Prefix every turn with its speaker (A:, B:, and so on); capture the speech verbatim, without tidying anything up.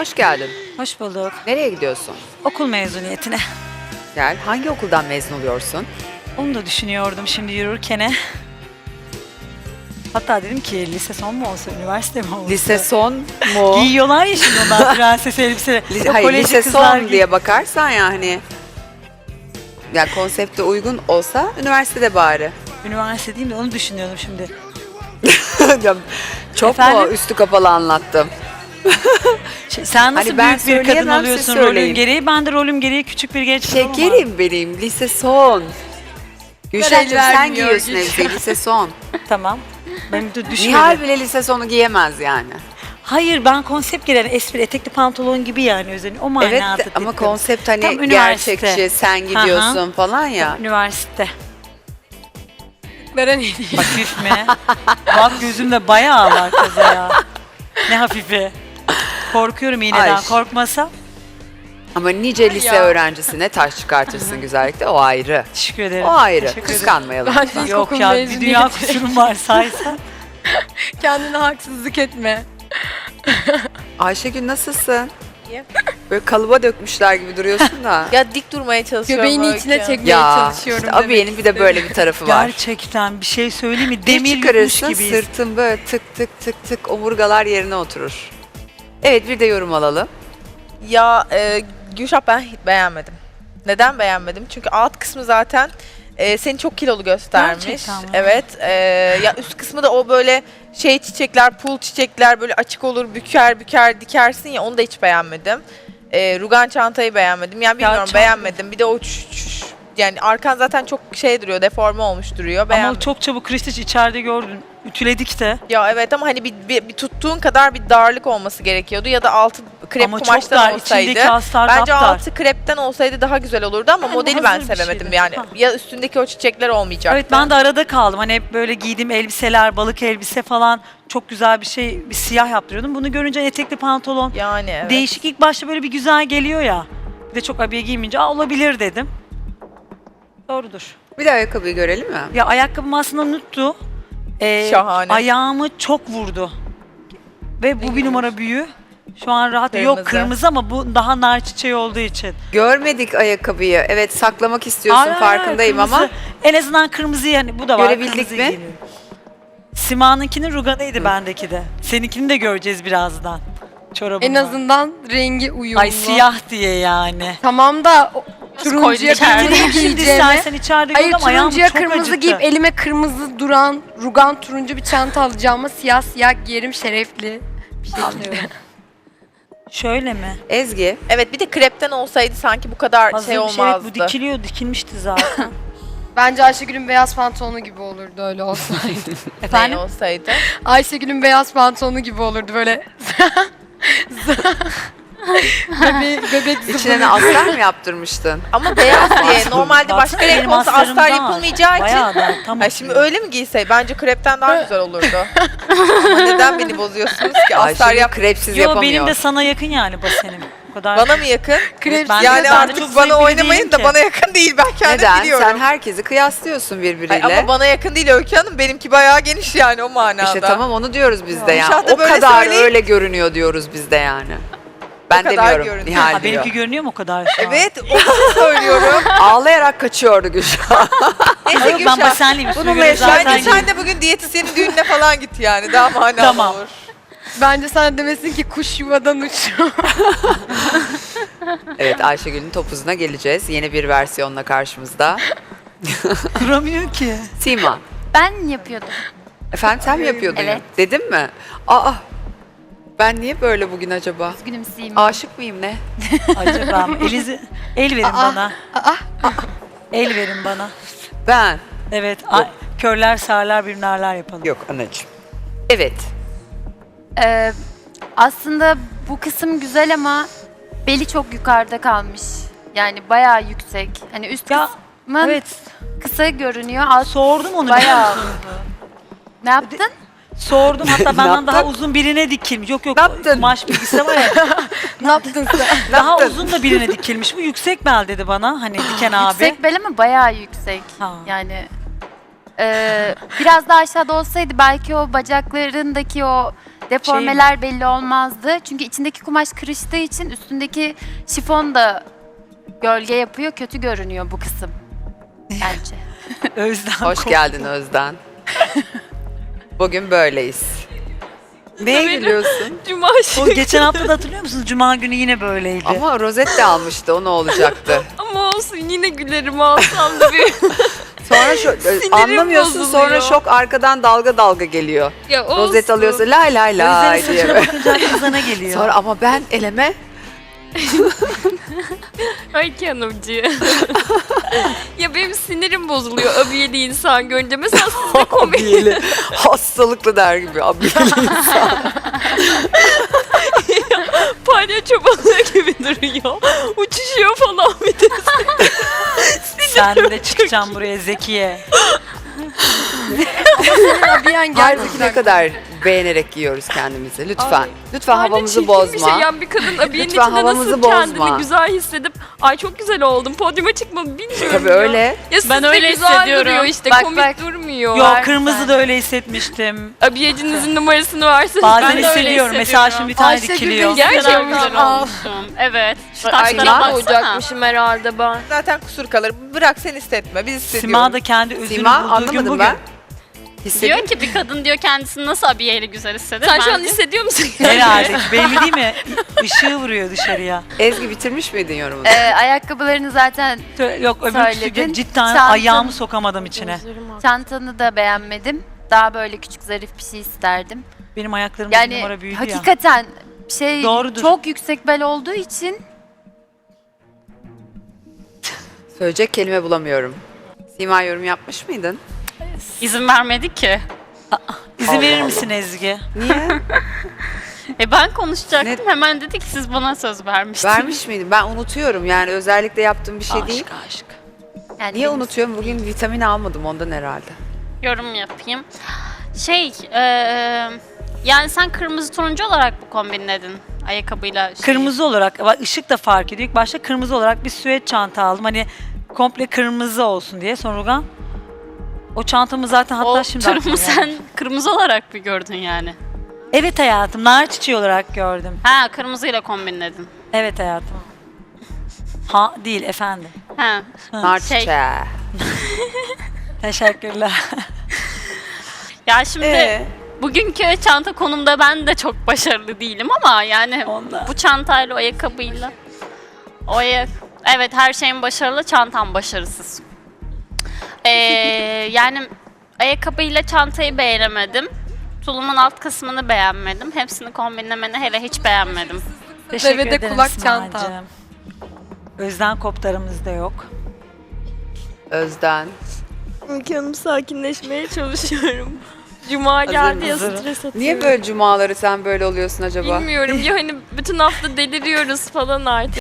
A: Hoş geldin.
B: Hoş bulduk.
A: Nereye gidiyorsun?
B: Okul mezuniyetine.
A: Gel. Hangi okuldan mezun oluyorsun?
B: Onu da düşünüyordum şimdi yürürken. Hatta dedim ki lise son mu olsa, üniversite mi olsa?
A: Lise son mu?
B: Giyiyorlar ya şimdi onlar prenses elbise.
A: Li-
B: O
A: Hayır,
B: kolejli
A: lise
B: kızlar
A: son
B: giy-
A: diye bakarsan yani. Ya konsepte uygun olsa üniversitede bari.
B: Üniversite değil de onu düşünüyordum şimdi.
A: Ya, Çok
B: Efendim?
A: mu üstü kapalı anlattım?
B: Şey, sen nasıl
A: Hani ben
B: büyük bir kadın
A: söyleyemem, siz
B: oluyorsun
A: söyleyin.
B: rolün gereği? Ben de rolüm gereği küçük bir genç kızım ama.
A: Şekerim benim, lise son. Gülşah'cığım sen
C: vermiyor
A: giyiyorsun
C: Gülşah.
A: elbiseyi, lise son.
B: Tamam. Benim de düşmedi.
A: Nihal bile lise sonu giyemez yani.
B: Hayır, ben konsept gelen espri etekli pantolon gibi yani özellikle o manada
A: Evet
B: dedim.
A: ama konsept
B: Tam
A: hani
B: üniversite.
A: gerçekçi, sen gidiyorsun falan ya.
B: Üniversite.
C: Veren iyi değil.
B: Hafif mi? Bak gözümde bayağı var kıza ya. Ne hafifi. Korkuyorum iğneden.
A: Ay.
B: Korkmasam.
A: Ama nice lise
C: Ya.
A: öğrencisine taş çıkartırsın güzellikle, o ayrı.
B: Teşekkür ederim.
A: O ayrı,
B: Teşekkür ederim.
A: kıskanmayalım.
C: Ben
A: lütfen.
C: ilk-
B: Yok
C: İlkokul
B: ya, bir
C: mezuniyeti.
B: dünya kusurum var saysan.
C: Kendine haksızlık etme.
A: Ayşegül nasılsın?
D: İyi.
A: Böyle kalıba dökmüşler gibi duruyorsun da.
D: Ya dik durmaya çalışıyorum.
C: Göbeğini
D: Öykü.
C: içine çekmeye
A: Ya
C: çalışıyorum.
A: işte abiyenin bir de böyle bir tarafı var.
B: Gerçekten bir şey söyleyeyim mi?
A: Bir
B: Demir yutmuş
A: çıkarırsın,
B: gibiyiz.
A: sırtın böyle tık tık tık tık omurgalar yerine oturur. Evet, bir de yorum alalım.
D: Ya e, Gülşah, ben hiç beğenmedim. Neden beğenmedim? Çünkü alt kısmı zaten e, seni çok kilolu göstermiş.
B: Gerçekten mi?
D: Evet. E, ya üst kısmı da o böyle şey çiçekler, pul çiçekler böyle açık olur, büker büker dikersin ya, onu da hiç beğenmedim. E, rugan çantayı beğenmedim. Yani bilmiyorum,
B: çanta-
D: beğenmedim. Bir de o ç- ç- yani arkan zaten çok şey duruyor, deforme olmuş duruyor. Beğenmedim.
B: Ama çok çabuk Kristiç içeride gördün. Ütüledik de.
D: Ya evet, ama hani bir, bir, bir tuttuğun kadar bir darlık olması gerekiyordu ya da altı krep
B: Ama çok
D: kumaştan
B: dar.
D: olsaydı.
B: İçindeki astar
D: Bence
B: kaptar.
D: altı krepten olsaydı daha güzel olurdu ama
B: Yani
D: modeli ben
B: hazır bir
D: sevemedim
B: şeydi.
D: yani.
B: Ha.
D: Ya üstündeki o çiçekler olmayacaktı.
B: Evet, ben de arada kaldım. Hani hep böyle giydiğim elbiseler, balık elbise falan çok güzel bir şey, bir siyah yaptırıyordum. Bunu görünce etekli pantolon
D: Yani evet.
B: değişik, ilk başta böyle bir güzel geliyor ya. Bir de çok abiye giymeyince Aa, olabilir dedim. Doğrudur.
A: Bir de ayakkabıyı görelim mi?
B: Ya ayakkabım aslında nuttu. Ee,
D: Şahane.
B: Ayağımı çok vurdu. Ve bu bir numara büyüğü. Şu an rahat. Yok
D: Kırmızı.
B: kırmızı ama bu daha nar çiçeği olduğu için.
A: Görmedik ayakkabıyı. Evet, saklamak istiyorsun,
B: Hayır, hayır,
A: farkındayım
B: kırmızı.
A: ama
B: En azından kırmızı yani bu da var.
A: Görebildik
B: kırmızı
A: mi?
B: giyiniyorum. Sima'nınkinin ruganıydı bendeki de. Seninkini de göreceğiz birazdan. Çorabımla.
C: En azından rengi uyumlu.
B: Ay siyah diye yani.
C: Tamam da o- turuncuya
B: Getireyim
C: kırmızı
B: şimdi
C: giyeceğime.
B: istersen içeride
C: Hayır,
B: gör ama ayağım
C: turuncuya
B: çok
C: kırmızı
B: acıttı.
C: giyip elime kırmızı duran rugan turuncu bir çanta alacağıma siyah siyah giyerim, şerefli bir şey istiyorum.
B: Şöyle mi?
A: Ezgi,
D: Evet, bir de krepten olsaydı sanki bu kadar
B: Hazır
D: şey
B: bir şey, evet,
D: olmazdı.
B: bu dikiliyor, dikilmişti zaten.
C: Bence Ayşegül'ün beyaz pantolonu gibi olurdu öyle olsaydı.
D: Ne
B: Efendim?
D: olsaydı.
C: Ayşegül'ün beyaz pantolonu gibi olurdu böyle. bebek, bebek
A: içine ne
C: zıbını.
A: astar mı yaptırmıştın?
D: Ama beyaz diye normalde başka
B: Baksana,
D: renk
B: benim
D: olsa
B: astarım
D: astar
B: dar.
D: yapılmayacağı için.
B: Bayağı da tam
D: Ha, şimdi
B: oturuyor.
D: öyle mi giysey? Bence krepten daha güzel olurdu. Ama neden beni bozuyorsunuz ki? Astar
A: Ayşegül
D: yap.
A: krepsiz
B: Yo
A: yapamıyor.
B: benim de sana yakın yani basenim. O kadar.
D: Bana mı yakın?
C: Krep
B: Ben de-
D: Yani
B: ben de
D: artık
B: çok
D: bana
B: zevkli
D: oynamayın
B: değilim
D: da
B: ki.
D: bana yakın değil, ben kendim
A: Neden?
D: biliyorum.
A: Sen herkesi kıyaslıyorsun birbiriyle.
D: Ay, ama bana yakın değil Öykü Hanım, benimki bayağı geniş yani o manada.
A: İşte tamam, onu diyoruz biz de
D: Ya.
A: yani.
D: Gülşah da
A: O
D: böyle
A: kadar
D: söyleyeyim.
A: öyle görünüyor diyoruz biz de yani. Ben
D: kadar
A: demiyorum,
D: görünüyor.
A: Nihal
B: Ha,
A: diyor.
B: benimki görünüyor mu o kadar şu an?
D: Evet, onu söylüyorum.
A: Ağlayarak kaçıyordu Gülşah.
D: Neyse
B: Yok, ben
D: Gülşah,
B: basenliyim. Üstüme
A: Bununla
B: göre
A: yaşa-
B: zaten
D: bence sen
B: giydim.
D: de bugün diyetisyenin düğününe falan git yani, daha manalı
B: Tamam.
D: olur.
C: Bence sana demesin ki kuş yuvadan uçuyor.
A: Evet, Ayşegül'ün topuzuna geleceğiz. Yeni bir versiyonla karşımızda.
B: Duramıyor ki.
A: Sima,
E: Ben yapıyordum.
A: efendim sen mi yapıyordun?
E: Evet.
A: Dedim mi? Aa, ben niye böyle bugün acaba?
E: Üzgünüm Sima.
A: Aşık mıyım ne?
B: Acaba mı? Elizi, el verin bana.
C: Aa,
B: El verin bana.
A: Ben.
B: Evet. a- körler sağırlar birbirlerler yapalım.
A: Yok anacığım. Evet.
E: Ee, aslında bu kısım güzel ama beli çok yukarıda kalmış. Yani bayağı yüksek. Hani üst
B: Ya,
E: kısmın
B: Evet.
E: kısa görünüyor. Alt
B: Sordum onu.
E: bayağı. Ne yaptın?
B: Sordum, hatta benden
A: yaptın?
B: daha uzun birine dikilmiş. Yok yok,
A: Ne yaptın?
B: kumaş bilgisi var ya.
C: ne yaptın sen?
B: Daha
A: yaptın?
B: uzun da birine dikilmiş. Bu yüksek bel dedi bana. Hani diken abi.
E: Yüksek bel ama bayağı yüksek.
B: Ha.
E: Yani e, biraz daha aşağıda olsaydı belki o bacaklarındaki o deformeler belli olmazdı. Çünkü içindeki kumaş kırıştığı için üstündeki şifon da gölge yapıyor. Kötü görünüyor bu kısım. Bence.
B: Özden
A: Hoş
B: korktu.
A: geldin Özden. Bugün böyleyiz. Neye gülüyorsun?
F: Cuma
B: O geçen hafta da hatırlıyor musunuz? Cuma günü yine böyleydi.
A: Ama rozet de almıştı, o ne olacaktı?
F: ama olsun yine gülerim alsam da bir
A: Sonra şu, anlamıyorsun, sonra
F: bozuluyor.
A: şok arkadan dalga dalga geliyor.
F: ya olsun.
A: Rozet alıyorsa lay lay lay
B: Özden'in
A: diye.
B: saçına bakınca kızana geliyor.
A: Sonra ama ben eleme
F: Ay Hanımcı. ya benim sinirim bozuluyor abiyeli insan görünce. Mesela siz de komik.
A: abiyeli, hastalıklı der gibi abiyeli insan.
F: Palyaço balığı gibi duruyor. Uçuşuyor falan bir de.
B: Sen de çıkacaksın buraya Zekiye.
C: Senin abiyen
A: Halbuki ne
C: gerçekten.
A: kadar beğenerek giyiyoruz kendimizi. Lütfen.
F: Ay,
A: Lütfen
F: Aynen
A: havamızı
F: çirkin
A: bozma.
F: Bir şey. Yani bir kadın abiyenin
A: Lütfen
F: içinde
A: havamızı
F: nasıl
A: bozma.
F: kendini güzel hissedip ay çok güzel oldum podyuma çıkmamı bilmiyorum
A: Tabii
F: ya.
A: öyle.
F: Ya siz
E: Ben
F: de
E: öyle
F: güzel
E: hissediyorum.
F: duruyor işte
E: Bak,
F: komik
E: bak.
F: durmuyor.
B: Yok
E: Var
B: kırmızı
E: sen.
B: da öyle hissetmiştim.
F: Abiyecinizin numarasını verseniz.
B: Bazen
F: ben de öyle
B: hissediyorum. Mesela şimdi bir tane
C: Ayşegül
B: dikiliyor.
C: de
F: Gerçekten
C: Gerçekten.
F: olmuşum. Evet. Şu
A: Sima-
F: taşlara koyacakmışım herhalde ben.
D: Zaten kusur kalır. Bırak sen hissetme. Biz hissediyoruz.
B: Sima da kendi özünü
A: Sima
B: bulduğu gün
A: anlamadım
B: bugün.
A: ben. Hissediyor
G: Diyor ki bir kadın diyor kendisini nasıl abiyeyle güzel hisseder.
F: Sen şu an
G: Bence-
F: hissediyor musun?
B: Herhalde ki belli değil mi? Işığı vuruyor dışarıya.
A: Ezgi bitirmiş miydin yorumunu?
E: Ee, ayakkabılarını zaten
B: Tö- Yok öbür
E: Söyledin.
B: cidden
E: Çantanı-
B: ayağımı sokamadım içine.
E: çantanı da beğenmedim. Daha böyle küçük zarif bir şey isterdim.
B: Benim ayaklarımda bir
E: Yani
B: numara büyüdü ya.
E: hakikaten şey
B: Doğrudur.
E: çok yüksek bel olduğu için
A: Söyleyecek kelime bulamıyorum. Sima yorum yapmış mıydın?
G: İzin vermedi ki.
B: İzin
A: Allah
B: verir
A: Allah.
B: misin Ezgi?
A: Niye?
G: E ben konuşacaktım.
A: Ne-
G: Hemen dedi ki siz bana söz vermiştiniz.
A: Vermiş miydin? Ben unutuyorum, yani özellikle yaptığım bir şey değil.
B: Aşk aşk.
E: yani
A: Niye
E: benim-
A: unutuyorum? Bugün vitamin almadım ondan herhalde.
G: Yorum yapayım. Şey, e, yani sen kırmızı turuncu olarak bu kombinledin ayakkabıyla. şeyi.
B: Kırmızı olarak, bak ışık da fark ediyor. İlk başta kırmızı olarak bir süet çanta aldım. Hani komple kırmızı olsun diye. Sonra Rugan, o çantamı zaten hatta
G: O
B: şimdi
G: turumu
B: aklıma
G: sen
B: geldi.
G: kırmızı olarak mı gördün yani?
B: Evet hayatım, nar çiçeği olarak gördüm.
G: Ha, kırmızıyla kombinledin.
B: Evet hayatım. Ha değil efendim.
G: Ha.
A: Nar
G: Şey-
A: çiçeği.
B: Teşekkürler.
G: Ya şimdi
A: Ee?
G: bugünkü çanta konumda ben de çok başarılı değilim ama yani
B: Ondan.
G: bu çantayla o ayakkabıyla o ayak evet her şeyin başarılı, çantam başarısız. Ee, yani ayakkabıyla çantayı beğenemedim. Tulumun alt kısmını beğenmedim. Hepsini kombinlemeni hele hiç beğenmedim.
B: Teşekkür
C: Devede
B: ederim
C: kulak
B: Simacığım.
C: çanta.
B: Özden koptarımız da yok.
A: Özden.
F: Canım sakinleşmeye çalışıyorum. Cuma
A: Hazır
F: geldi ya
A: mısın?
F: stres atıyorum.
A: Niye böyle cumaları sen böyle oluyorsun acaba?
F: Bilmiyorum ya hani bütün hafta deliriyoruz falan artık.